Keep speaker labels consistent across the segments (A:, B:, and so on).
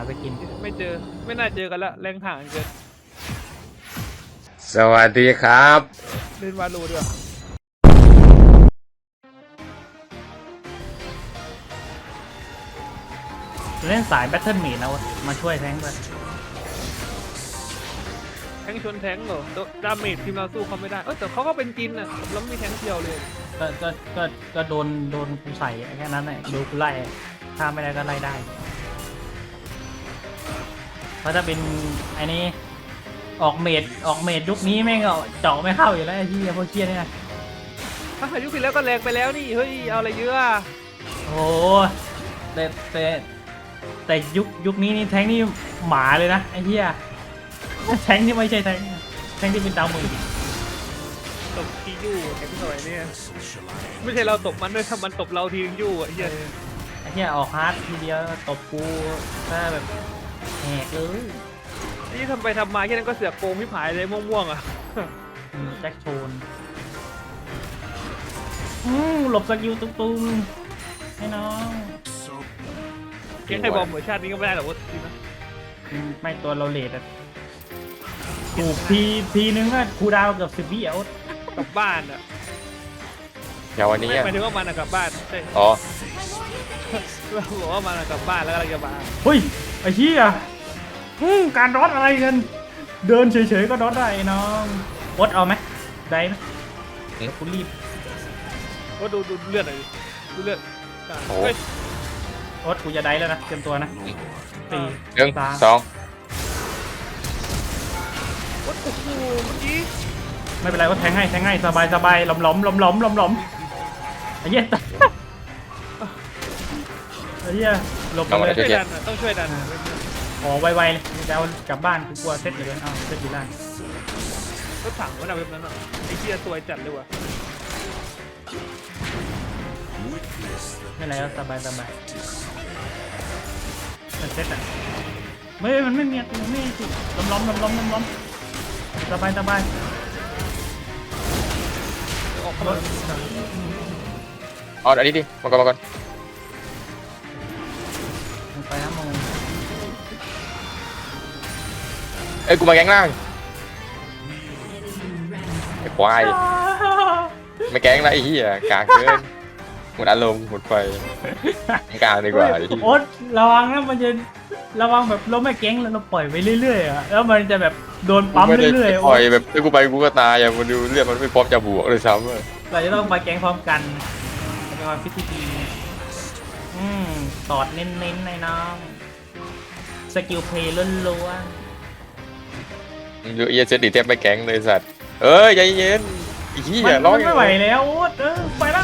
A: ไปกิน
B: ไม่เจอไม่น่าเจอกันละแรงห่างเกิน
C: สวัสดีครับ
B: เล่นวาโลดีกว่า
A: เล่นสายแบทเทิลเมดแล้วมาช่วยแทงค์ด้วย
B: แทงชนแทงเหรอดาเมจทีมเราสู้เขาไม่ได้แต่เขาก็เป็นจินอ่ะแล้วมีแทงเดียวเลย
A: ก็โดนกูใส่แค่นั้นแหละดูกูไล่ถ้าไม่ได้ก็ไล่ได้เพราะถ้าเป็นไอ้นี้ออกเมดยุคนี้แม่งเจาะไม่เข้าอยู่แล้วไอ้ที่พวกเชี่ยเนี่ย
B: ถ้ายุคที่แล้วก็แรงไปแล้วนี่เฮ้ยเอาอะไรเยอะ
A: โอ้แต่ยุคนี้นี่แทงนี่หมาเลยนะไอ้เหี้ยแทงนี่ไม่ใช่แทงที่เป็นดาวมือ
B: ตบทียู่แทงหน่อยเนี่ยไม่ใช่เราตบมันด้วยถ้ามันตบเราทียู่ไอ้เหี้ย
A: ออกฮาร์ดทีเดียวตบกูถ้าแบบแหกเลย
B: นี่ทำไปทำมาแค่นั้นก็เสือกโกงพี่ผายเลยม่วงๆอ่ะ
A: แจ็คโชนหลบสกิลตุ้มๆให้น้อง
B: แค่ใครบอมเหมือนชาตินี้ก็ไม่ได้หรอกวะจริงนะ
A: ไม่ตัวเราเลดอะถูกทีนึงก็คูดาวเกือบ10 วิอ่ะ
B: กลับบ้านอ่ะ
C: อย่างวันนี้
B: หมายถึงว่ามันกลับบ้านใช่
C: อ๋อ
B: เราบอกว่ามันกลับบ้านแล้วก็จะมา
A: เฮ้ยไอ้เหี้ยการรอดอะไรกันเดินเฉยๆก็รอดได้น้องวดเอาไหมได้ไหมคุณรีบ
B: ว่าดูเลือดหน่อยดูเลือด
C: โอ้
A: วดกูจะได้แล้วนะเตรียมตัวนะ
C: 1 2
B: วัดโอ้โหเมื่อกี้
A: ไม่เป็นไรว่าแทงให้สบายหลอมไอ้เหี้ยไอ้เหี้ยหลบเลย
B: ต้องช่วยดัน
A: ไวๆเลยจะเอากลับบ้านกูกลัวเซตเลยอ้าวเซตอยู่ล่าง
B: รถถังมันเอาแบบนั้นอ่ะไอ้เหี้ยสวยจัดเลยว่ะ
A: ไม่ไรก็สบายมันเซตอ่ะมันไม่มีมันไม่สิล้อมสบาย
B: ออกรถ
C: อันนี้ดิมาก่อน
A: ไปนะมึง
C: กูมาแกงล่างไอ้ควายไม่แกงแล้วไอ้เหี้ยกากเกินหมดอารมณ์หมดไฟกลางดีกว่า
A: โอ๊ตระวังนะมันจะระวังแบบเราไม่แก๊งแล้วเราปล่อยไปเรื่อยๆอ่ะแล้วมันจะแบบโดนปั๊มเรื่อย
C: ๆปล่อยแบบกูไปกูก็ตายอ่ะมันดูเลือดมันไม่พร้อมจะบวกเลยซ้ำ
A: เราจะต้องไปแก๊งพร้อมกันเป็นความพิธีตอดเน้นๆในน้องสกิลเพย์ล้วน
C: ๆดูเอเซตดิเทปไปแก๊งเลยสัตว์ใจเย็นอีกอย่าร้อง
A: ไม่ไหวแล้วไปแล้ว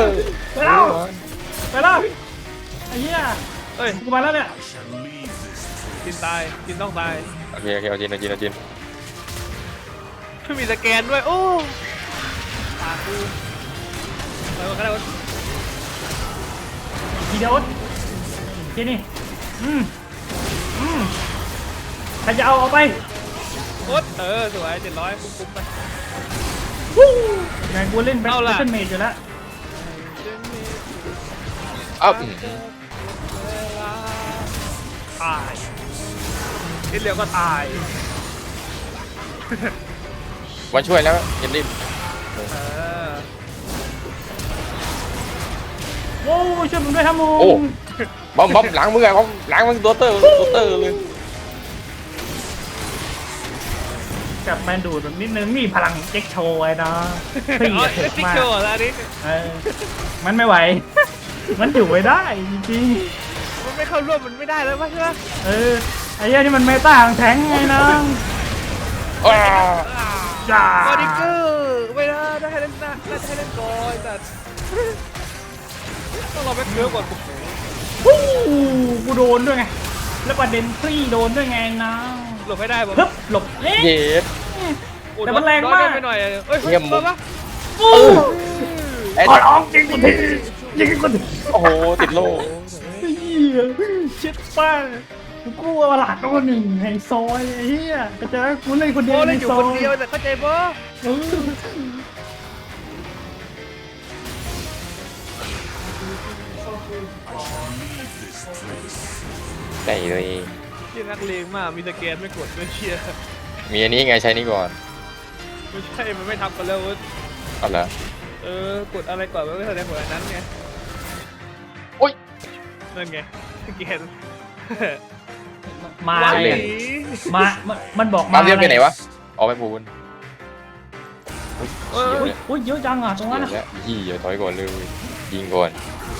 A: ไอ้เหี้ยกูมาแล้วเนี่ย
B: จินตายจินต้องตาย
C: โอเคเอาจิน
B: ไม่มีสแกนด้วยโอ้ตากูไปวันกันแล้ว
A: ทีเดียวทีนี่ใครจะเอาไป
B: โอ๊ตสวย700คุ้มไป
A: ไงกูเล่นแบทเทิลเมจอยู่แล้ว
B: ตายนิดเดียวก็ตาย
C: มาช่วยแล้วยันดิ
A: โอ้ช่วยผมด้วยครับมึง
C: บอมหลังมึงไงบอมหลังมึงตัวเตอร์เลย
A: กับแมนดูดแบบนิดนึงนี่พลังเจ็คโชว์ไว้นะ
B: เฮ้ยเจ็คโชว์อะไรนี่
A: มันไม่ไหวมันอยู่ไม่ได้จริง
B: ๆมันไม่เข้าร่วมมันไม่ได้แล้วป่ะใช่ไหม
A: ไอ้เหี้ยนี่มันเมตาของแทงไงน้อง
B: บอดี้เกอร์ไม่ได้ให้เล่นนะให้เล่นก่อนแต่ต้องรอแบ็คเกอร์ก่อน
A: กูโดนด้วยไงแล้วประเด็นซี่โดนด้วยไงน้อง
B: หลบให้ได้ผม
A: หลบ
C: เย็ด
A: แต่มันแรงมาก
B: ไปหน่อย
C: เยี่ยมมุก
A: ร้องจริงกูที
C: โอ้โหติดโล่
A: เช็ดป้ากูว่าหลาดตัวหนึ่งไฮซอยไอ้เหี้ยก็จะกูเล่นคนเดียว
B: เล่นอยู่คนเดียวแต่เข้าใจปะ
C: ได้เลย
B: ที่นักเลงมากมีสแกนไม่กดไม่เชียร์
C: มีอันนี้ไงใช้นี่ก่อน
B: ไม่ใช่มันไม่ทำกันแล้วเว้ย
C: เอาละ
B: กดอะไรก่อนมันไม่แสดงผลอันนั้นไง
C: โอ้ย
B: นั่นไงสแกน
A: มา
B: ว้า
A: อะไร
B: ย
A: อะมันบอก
C: มา
A: มา
C: เรียกไปไหนวะออกไปพูน
B: เออ
A: อุ้ยเยอะจังอ่ะตรงนั้นอะ
C: แล้วยี่อย่าถอยก่อนเลยยิงก่อน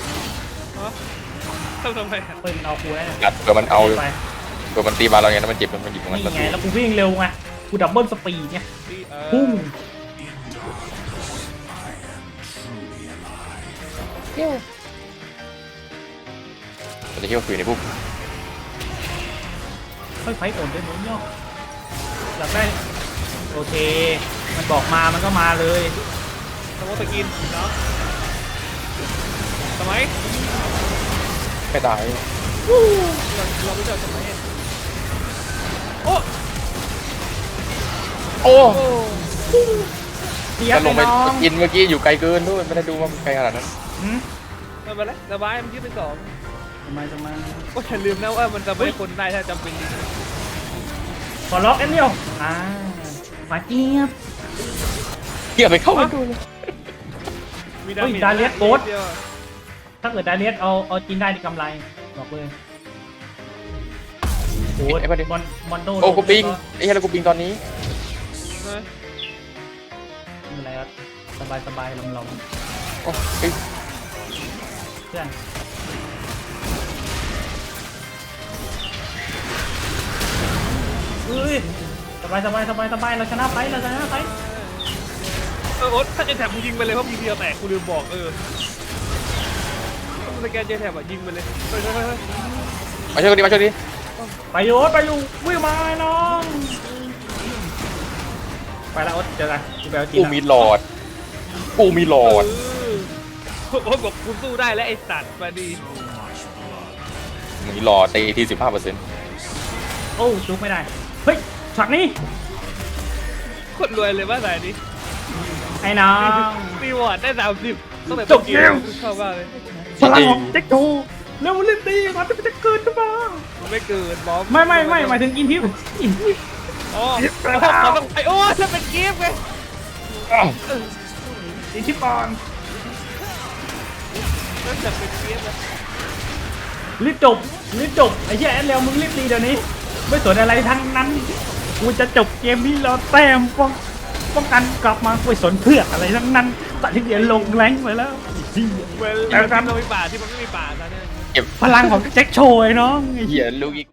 B: ทำไมอะ
A: เฮ้ยมันเอากูแล้วเนี่ย
C: กัดเผื่อมันเอา
A: ไป
C: เผื่อมันตีมาเราไงแล้วมันเจ็บมันหยิบของมัน
A: นี่
C: ประ
A: ไง
C: ตู
A: แล้วกูวิ่งเร็วไงกูดับเบิลสปีดไง
B: นี่
A: พุ่ง
C: มันจะเที่ยวคืนในพวก
A: ค่อยไฟโอนด้วยมั้งเนาะอยากได้โอเค มันบอกมามันก็มาเลย
B: สมมติสกินเนาะสมัย
C: ไม่ตาย
B: เราไม่เจอสมัยโอ้
C: โอ้
B: โอ้
A: เสีย
C: จะ
A: ไป
C: ลงไป
A: น้อง
C: กินเมื่อกี้อยู่ไกลเกินด้วยไม่ได้ดูว่ามันไกลขนาดนั้น
A: หืม
B: ไม่เป็นไรระบายมันยืดเป็นสอง
A: ทำไม
B: ก็อย่าลืมนะว่ามันจะไม่คนได้ถ้าจำเป็นจริง
A: ขอล็อกแอนเดียวมาเจี๊ยบ
C: เกี่ยวไปเข้าไปดู
B: มี
A: เฮ้ย
B: จ
A: ดาเลียสโกด
B: เดียว
A: ถ้าเกิดไดเลียสเอาจินได้ในกำไรบอกเลยโอ้ยมอนโด
C: โอ้กูปิงไอ้เหี้ยแล้วกูปิงตอนนี้
B: นะ
A: ไม่เป็นไรครับสบายลอง
C: โอ้เฮ้ย
A: เพื่อนเอ้ยสบายเราชนะไป
B: โอ๊ตถ้าเจแถบมึงยิงไปเลยเพราะยิงเดียวแตกกูลืมบอกสแกนเจแถบอ่ะยิงไปเลยเฮ้ย
C: มาช่วยกันดิมาช่วยดิ
A: ไปอยู่วิ่งมาไอ้น้องไปแล้วโอ๊ตเจอกันกูไปเอาจีน
C: กูมีหลอดกูมีหลอด
B: โอ๊ตบอกกูสู้ได้แล้วไอ้สัตว์มาดี
C: มีหลอดตีที่15%
A: โอ้จุกไม่ได้เฮ้ยฉากนี้
B: คนรวยเลยว่าสายนี้
A: ไอ้น้อง
B: ตีวอร์ดได้30ตั้งแต่
A: จบเกม
B: ชอบมากเลย
A: พลังของแจ็คโจเร็วเล่นตีมันจะเกิดขึ้นมา
B: มันไม่เกินบอม
A: ไม่หมายถึงอินทิว
B: อ๋อแล้วพอต้องไปโอ้แล้วเป็นเกมไง
C: อ้าว
A: อินทิวปอน
B: นั่นจะเป็นเกมนะ
A: รีบจบไอ้เหี้ยแอนแล้วมึงรีบตีเดี๋ยวนี้ไม่สนอะไรทั้งนั้นกูจะจบเกมนี้แล้วแต้มป้องกันกลับมาไม่สนเพื่ออะไรทั้งนั้นตัดที่เดียนลงแรงไปแล้ว
B: เวลเรามีป่าที่มันไม่มีป่าซะเนี่ย
C: เก็บ
A: พลังของแจ็คโชว์ไอ้น้อง
C: เหี้ยลูกอีก